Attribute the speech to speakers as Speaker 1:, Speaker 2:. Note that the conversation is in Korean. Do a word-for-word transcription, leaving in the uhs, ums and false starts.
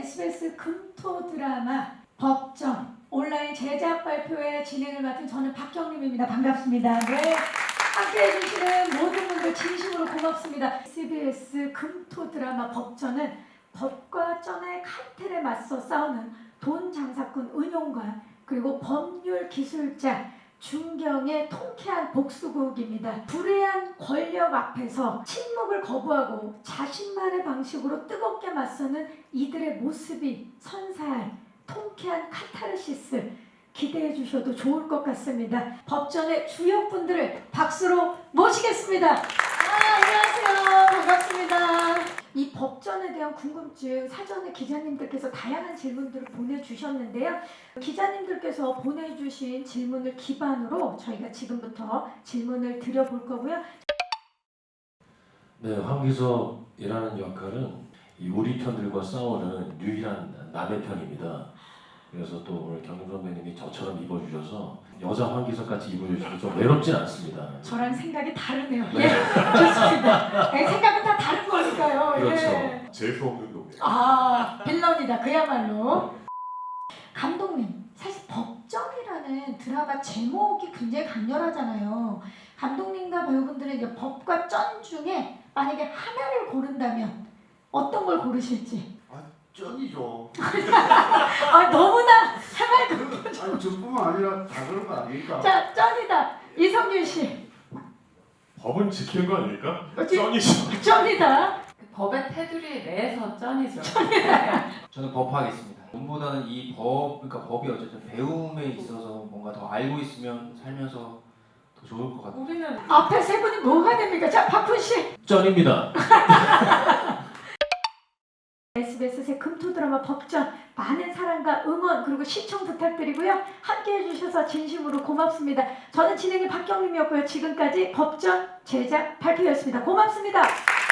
Speaker 1: 에스비에스 금토 드라마 법정 온라인 제작 발표회 진행을 맡은 저는 박경림입니다. 반갑습니다. 네, 함께해 주시는 모든 분들 진심으로 고맙습니다. 에스비에스 금토 드라마 법전은 법과 쩐의 칼텔에 맞서 싸우는 돈 장사꾼 은용과 그리고 법률 기술자 중경의 통쾌한 복수극입니다. 불의한 권력 앞에서 침묵을 거부하고 자신만의 방식으로 뜨겁게 맞서는 이들의 모습이 선사할 통쾌한 카타르시스 기대해 주셔도 좋을 것 같습니다. 법전의 주역분들을 박수로 모시겠습니다. 아, 안녕하세요. 반갑습니다. 이 법전에 대한 궁금증 사전에 기자님들께서 다양한 질문들을 보내주셨는데요. 기자님들께서 보내주신 질문을 기반으로 저희가 지금부터 질문을 드려볼 거고요.
Speaker 2: 네, 황기석이라는 역할은 이 우리 편들과 싸우는 유일한 남의 편입니다. 그래서 또 오늘 경림 선배님이 저처럼 입어주셔서 여자 황기석 같이 입어주셔서 좀 외롭진 않습니다.
Speaker 1: 저랑 생각이 다르네요. 예, 좋습니다. 네, 생각은 다 다른 거니까요.
Speaker 2: 그렇죠.
Speaker 1: 예.
Speaker 3: 재수 없는 놈이야.
Speaker 1: 아, 빌런이다. 그야말로. 감독님, 사실 법정이라는 드라마 제목이 굉장히 강렬하잖아요. 감독님과 배우분들은 이제 법과 쩐 중에 만약에 하나를 고른다면 어떤 걸 고르실지.
Speaker 3: 아, 쩐이죠.
Speaker 1: 아, 너무나 해맑은.
Speaker 3: 아니, 저뿐만 아니라 다 그런 거 아닙니까?
Speaker 1: 자, 쩐이다. 이성윤 씨.
Speaker 4: 법은 지키는 거 아닙니까?
Speaker 1: 어찌-
Speaker 4: 쩐이죠.
Speaker 1: 쩐이다.
Speaker 5: 법의 테두리 내에서 쩐이죠.
Speaker 6: 저는 법하겠습니다. 돈보다는 이 법, 그러니까 법이 어쨌든 배움에 있어서 뭔가 더 알고 있으면 살면서 더 좋을 것 같아요.
Speaker 5: 우리는
Speaker 1: 앞에 세 분이 뭐가 됩니까? 자, 박훈 씨.
Speaker 2: 쩐입니다.
Speaker 1: 에스비에스 새 금토 드라마 법전 많은 사랑과 응원 그리고 시청 부탁드리고요. 함께해 주셔서 진심으로 고맙습니다. 저는 진행의 박경림이었고요. 지금까지 법전 제작 발표였습니다. 고맙습니다.